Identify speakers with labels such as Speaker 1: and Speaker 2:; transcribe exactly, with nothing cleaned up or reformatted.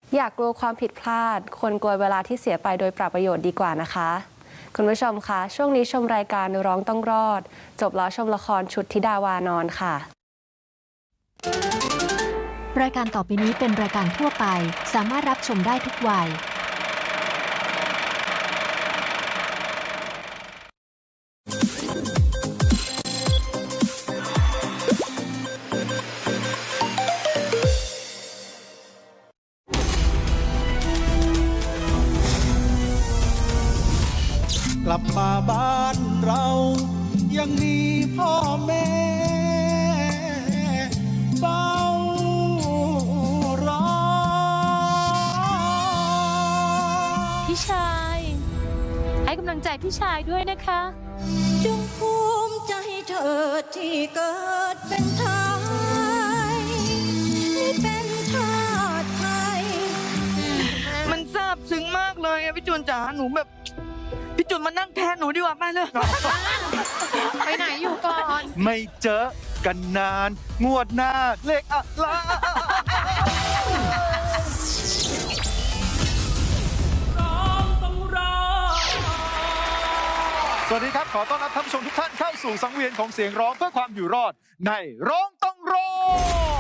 Speaker 1: อยากกลัวความผิดพลาดควรกลัวเวลาที่เสียไปโดยปราบประโยชน์ดีกว่านะคะคุณผู้ชมคะช่วงนี้ชมรายการร้องต้องรอดจบแล้วชมละครชุดธิดาวานอนค่ะ
Speaker 2: รายการต่อไปนี้เป็นรายการทั่วไปสามารถรับชมได้ทุกวัย
Speaker 3: กลับมาบ้านเรายังมีพ่อแม่เฝ้ารอ
Speaker 4: พี่ชายให้กำลังใจพี่ชายด้วยนะคะ
Speaker 5: จงภูมิใจเถิดที่เกิดเป็นไทยนี่เป็นชาติไทย
Speaker 6: มันซาบซึ้งมากเลยอะพี่จูนจ๋าหนูแบบพี่จุนมานั่งแทนหนูดีกว่าไปเลย
Speaker 4: ไปไหนอยู่ก่อน
Speaker 7: ไม่เจอกันนานงวดหน้าเลขอะไรสวัสดีครับขอต้อนรับท่านผู้ชมทุกท่านเข้าสู่สังเวียนของเสียงร้องเพื่อความอยู่รอดในร้องต้องรอด